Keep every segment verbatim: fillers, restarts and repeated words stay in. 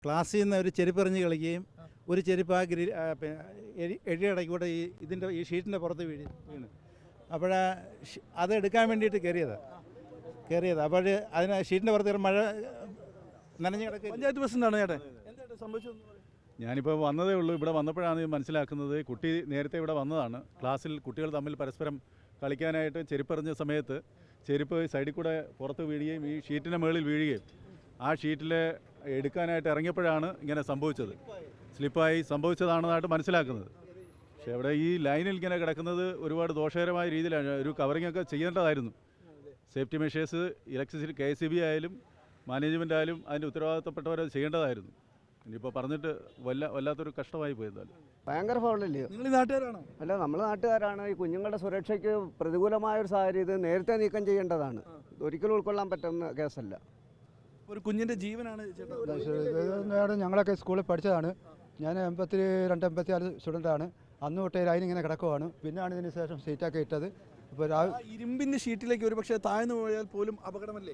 ക്ലാസ്സിൽ നിന്ന് ഒരു ചെരുപ്പെറിഞ്ഞ് കളിക്കുകയും ഒരു ചെരുപ്പ് ആ ഗ്രി എഴിയടക്കൂടെ ഈ ഇതിൻ്റെ ഈ ഷീറ്റിൻ്റെ പുറത്ത് വീഴ് വീണ് അപ്പോൾ അത് എടുക്കാൻ വേണ്ടിയിട്ട് കയറിയതാണ് കയറിയത് അപ്പോൾ അതിന് ഷീറ്റിൻ്റെ പുറത്ത് മഴ നനഞ്ഞ് കിടക്കുക. പഞ്ചായത്ത് പ്രസിഡന്റാണ് ചേട്ടൻ, എന്താ സംഭവിച്ചത്? ഞാനിപ്പോൾ വന്നതേ ഉള്ളൂ. ഇവിടെ വന്നപ്പോഴാണ് മനസ്സിലാക്കുന്നത് കുട്ടി നേരത്തെ ഇവിടെ വന്നതാണ്. ക്ലാസ്സിൽ കുട്ടികൾ തമ്മിൽ പരസ്പരം കളിക്കാനായിട്ട് ചെരുപ്പെറിഞ്ഞ സമയത്ത് ചെരുപ്പ് സൈഡിൽ കൂടെ പുറത്ത് വീഴുകയും ഈ ഷീറ്റിൻ്റെ മുകളിൽ വീഴുകയും ആ ഷീറ്റിൽ എടുക്കാനായിട്ട് ഇറങ്ങിയപ്പോഴാണ് ഇങ്ങനെ സംഭവിച്ചത്. സ്ലിപ്പായി സംഭവിച്ചതാണെന്നായിട്ട് മനസ്സിലാക്കുന്നത്. പക്ഷേ ഇവിടെ ഈ ലൈനിൽ ഇങ്ങനെ കിടക്കുന്നത് ഒരുപാട് ദോഷകരമായ രീതിയിലാണ്. ഒരു കവറിംഗ് ഒക്കെ ചെയ്യേണ്ടതായിരുന്നു. Safety measures electricity K S E B ആയാലും മാനേജ്മെൻ്റ് ആയാലും അതിൻ്റെ ഉത്തരവാദിത്തപ്പെട്ടവരത് ചെയ്യേണ്ടതായിരുന്നു. ഇനിയിപ്പോൾ പറഞ്ഞിട്ട് വല്ല വല്ലാത്തൊരു കഷ്ടമായി പോയതാലും. ഭയങ്കര ഫൗളല്ലേ? നിങ്ങൾ ഈ നാട്ടുകാരാണോ? അല്ല, നമ്മൾ നാട്ടുകാരാണ്. ഈ കുഞ്ഞുങ്ങളുടെ സുരക്ഷയ്ക്ക് പ്രതികൂലമായ ഒരു സാഹചര്യം ഇത് നേരത്തെ നീക്കം ചെയ്യേണ്ടതാണ്. ഒരിക്കലും ഉൾക്കൊള്ളാൻ പറ്റുന്ന കേസല്ല. ഒരു കുഞ്ഞിൻ്റെ ജീവനാണ് ചേട്ടാ. ഞങ്ങളൊക്കെ സ്കൂളിൽ പഠിച്ചതാണ്. ഞാൻ എൺപത്തി രണ്ട് എൺപത്തി നാല് സ്റ്റുഡൻ്റാണ്. അന്ന് തൊട്ടേ ലൈൻ ഇങ്ങനെ കിടക്കുവാണ്. പിന്നെയാണ് ഇതിന് ശേഷം സീറ്റൊക്കെ ഇട്ടത്. ഇപ്പോൾ ഇരുമ്പിൻ്റെ ഷീറ്റിലേക്ക് ഒരു പക്ഷേ താഴ്ന്നു പോയാൽ പോലും അപകടമല്ലേ?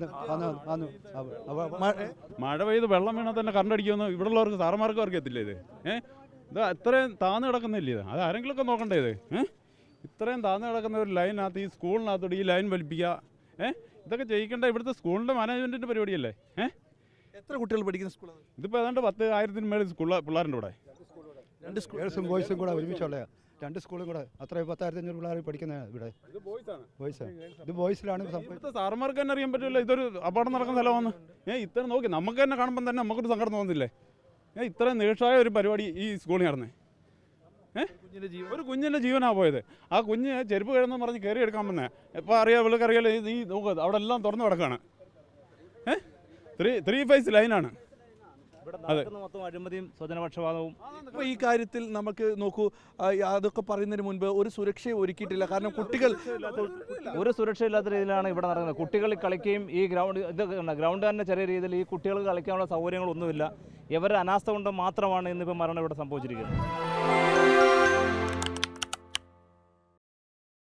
മഴ പെയ്ത് വെള്ളം വീണാൽ തന്നെ കറണ്ട് അടിക്കുമെന്ന് ഇവിടെ ഉള്ളവർക്ക് സാറന്മാർക്ക് അറിയത്തില്ല. ഇത് ഏഹ് ഇത് ഇത്രയും താഴ്ന്നു കിടക്കുന്നില്ല. ഇത് അത് ആരെങ്കിലുമൊക്കെ നോക്കണ്ടേ? ഇത് ഏഹ് ഇത്രയും താഴ്ന്നു കിടക്കുന്ന ഒരു ലൈനകത്ത് ഈ സ്കൂളിനകത്തോട് ഈ ലൈൻ വലിപ്പിക്കുക, ഏഹ് ഇതൊക്കെ ചെയ്യിക്കേണ്ട ഇവിടുത്തെ സ്കൂളിൻ്റെ മാനേജ്മെൻറ്റിൻ്റെ പരിപാടിയല്ലേ? ഏഹ് എത്ര കുട്ടികൾ പഠിക്കുന്ന സ്കൂളാണ്? ഇതിപ്പോൾ ഏതാണ്ട് പത്ത് ആയിരത്തിന് മേളിൽ സ്കൂൾ പിള്ളേരുടെ ഇവിടെ രണ്ട് ഗേൾസും ബോയ്സും കൂടെ ഒരുമിച്ചുള്ള രണ്ട് സ്കൂളും കൂടെ അത്രയും പത്തായിരത്തി അഞ്ഞൂറ് പിള്ളേർ പഠിക്കുന്നത് ഇവിടെ. ബോയ്സാണ്. ഇത് ബോയ്സിലാണ് സംഭവിച്ചത്. സാറന്മാർക്ക് തന്നെ അറിയാൻ പറ്റില്ല ഇതൊരു അപകടം നടക്കുന്ന സ്ഥലമാണ്. ഏഹ് ഇത്ര നോക്കി നമുക്ക് തന്നെ കാണുമ്പോൾ തന്നെ നമുക്കൊരു സങ്കടം തോന്നുന്നില്ലേ? ഏഹ് ഇത്രയും നീഷായ ഒരു പരിപാടി ഈ സ്കൂളിൽ നടന്നേ. ഏഹ് ഒരു കുഞ്ഞിൻ്റെ ജീവനാണ് പോയത്. ആ കുഞ്ഞ് ചെരുപ്പ് കിഴന്ന് പറഞ്ഞ് കയറി എടുക്കാൻ വന്നേ. എപ്പോൾ അറിയാം ഇവൾക്ക് അറിയാലോ ഈ നോക്കുക അവിടെ എല്ലാം തുറന്നു കിടക്കുകയാണ്. ഏഹ് ത്രീ ത്രീ ഫേസ് ലൈനാണ്. മൊത്തം അഴിമതിയും സ്വജനപക്ഷപാതവും. അപ്പോൾ ഈ കാര്യത്തിൽ നമുക്ക് നോക്കൂ, അതൊക്കെ പറയുന്നതിന് മുൻപ് ഒരു സുരക്ഷയും ഒരുക്കിയിട്ടില്ല. കാരണം കുട്ടികൾ ഒരു സുരക്ഷയില്ലാത്ത രീതിയിലാണ് ഇവിടെ നടക്കുന്നത്. കുട്ടികൾ കളിക്കുകയും ഈ ഗ്രൗണ്ട് ഇത് ഗ്രൗണ്ട് തന്നെ ചെറിയ രീതിയിൽ ഈ കുട്ടികൾക്ക് കളിക്കാനുള്ള സൗകര്യങ്ങളൊന്നുമില്ല. ഇവരുടെ അനാസ്ഥ കൊണ്ട് മാത്രമാണ് ഇന്നിപ്പോൾ മരണം ഇവിടെ സംഭവിച്ചിരിക്കുന്നത്.